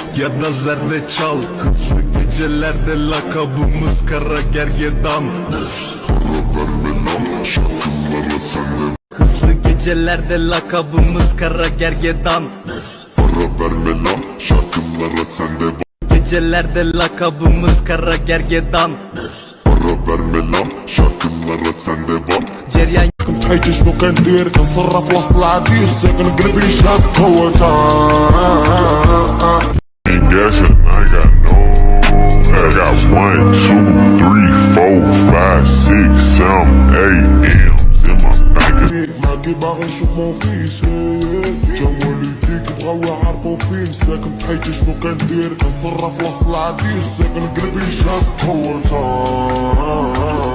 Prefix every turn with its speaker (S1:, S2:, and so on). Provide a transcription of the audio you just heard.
S1: ya da zerdeçal. Hızlı gecelerde lakabımız kara gergedan. Hızlı gecelerde lakabımız kara gergedan.
S2: Para verme lan şarkılara sende.
S1: Gecelerde lakabımız kara gergedan.
S2: Para verme lan şarkılara sende var.
S1: Ceryan
S3: كنت شنو كندير كنصرف وسط العديس ساكن قلبي شاد قوة
S2: Ain't guessing, I got no. I got 1, 2, 3, 4, 5, 6, 7, 8 M's in my bank.
S3: معاكي باغي نشوف مون فيس جا والديك بغاو يعرفو فين ساكن بحياتي شنو كندير كنصرف وسط العديس ساكن قلبي شاد قوة